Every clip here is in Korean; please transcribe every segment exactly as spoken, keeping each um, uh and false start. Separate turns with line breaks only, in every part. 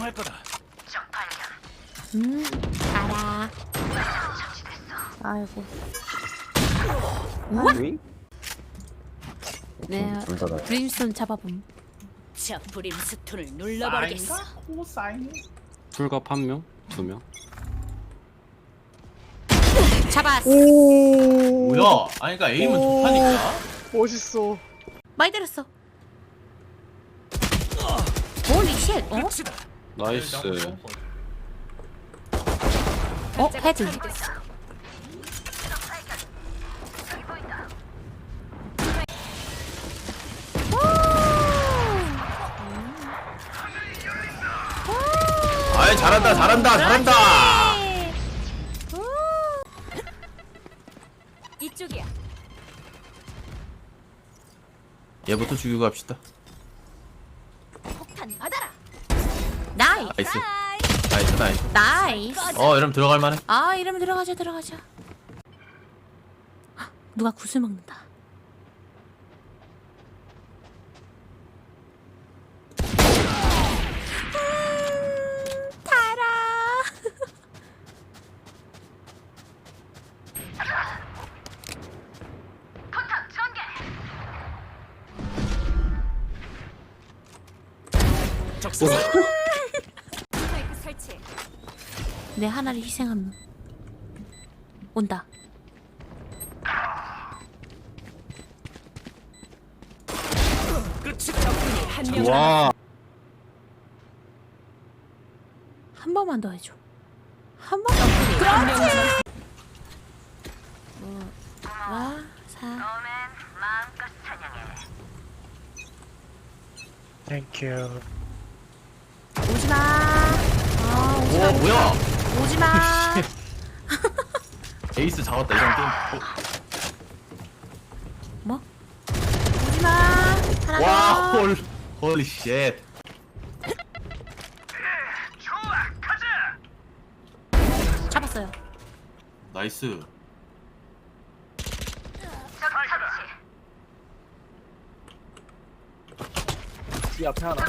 조심할 거다.
음, 알아. 아이고.
윙?
네,
둘다 나.
브림스톤 잡아봄.
자, 브림스톤을 눌러버리겠어.
코사인.
풀갑 한 명, 두 명.
잡았어.
뭐야? 아니 그러니까 에임은 좋다니까.
멋있어.
많이 때렸어. 홀리 쉣. 어?
끝이다.
나이스.
어? 헤드.
아이 잘한다 잘한다 잘한다.
이쪽이야.
얘부터 죽이고 갑시다.
폭탄 받아라.
나이스.
나이스. 나이스 나이스.
나이스.
어 이러면 들어갈 만해.
아, 이러면 들어가자, 들어가자. 헉, 누가 구슬 먹는다. 음, 달아.
적수.
스파이크 설치.
내 하나를 희생함. 온다.
끝이다.
적군이 한명
와.
한 번만 더 해줘. 한 번만.
남았.
와, 사.
땡큐.
오지마. 아, 오지마.
오 뭐야?
오지마.
에이스 잡았다 이런 게임.
뭐? 오지마. 하나
와
더.
홀. 홀리 쉣.
잡았어요.
나이스.
이 앞에 하나.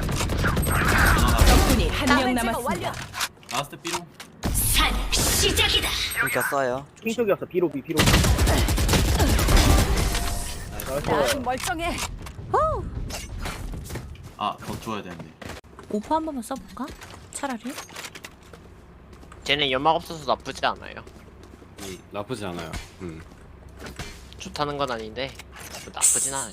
적군이 한명 남았습니다.
라스트 삐롱.
산 시작이다.
진짜 써요. 킹쪽이었어. 비로 비 비로.
나 아직 멀쩡해.
호!
아더 줘야 되는데.
오퍼 한 번만 써볼까? 차라리.
쟤는 연막 없어서 나쁘지 않아요.
음, 나쁘지 않아요. 음.
좋다는 건 아닌데 나쁘진 않아요.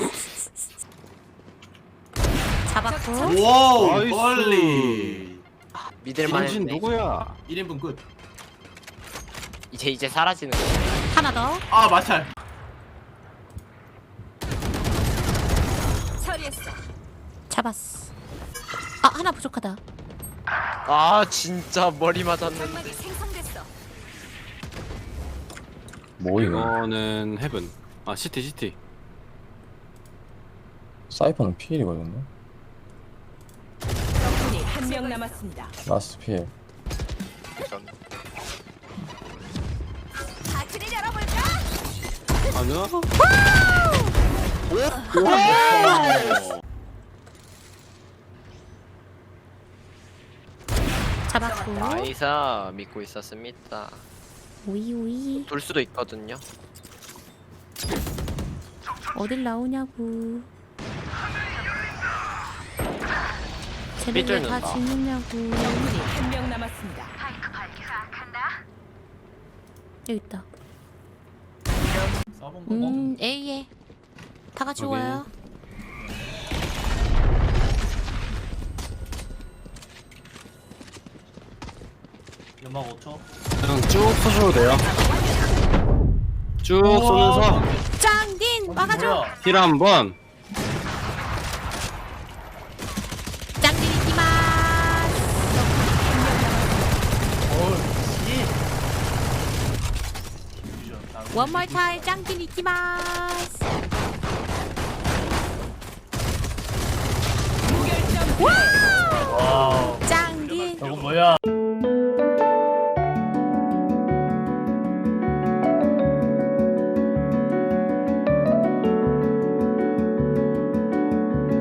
잡았고.
와우
나이스.
홀리.
믿을만
당신
했네.
누구야?
일 인분 끝.
이제 이제 사라지는 거.
하나 더.
아 마찰.
처리했어.
잡았어. 아, 하나 부족하다.
아 진짜 머리 맞았는데.
장막이 생성됐어.
뭐
이거는 헤븐. 아 시티 시티.
사이퍼는 피일이거든요.
적군이 한명 남았습니다.
라스트 피일.
파티를 열어볼까?
아니야?
잡았고.
나이사 믿고 있었습니다.
오이 오이.
돌 수도 있거든요.
어딜 나오냐고.
삐뚤
쟤네들 다
는다.
죽느냐고.
적군이 한명 남았습니다.
여기 있다.
써본 거.
음, A에. 다 같이
오케이.
와요.
연막 오 초.
그냥 쭉 쏘셔도 돼요. 쭉 쏘면서
짱딘! 막아줘!
뭐야?
힐 한번.
짱딘 이기마스! One more time, 짱딘 이기마스!
무결점.
와우.
짱딘!
저거 뭐야?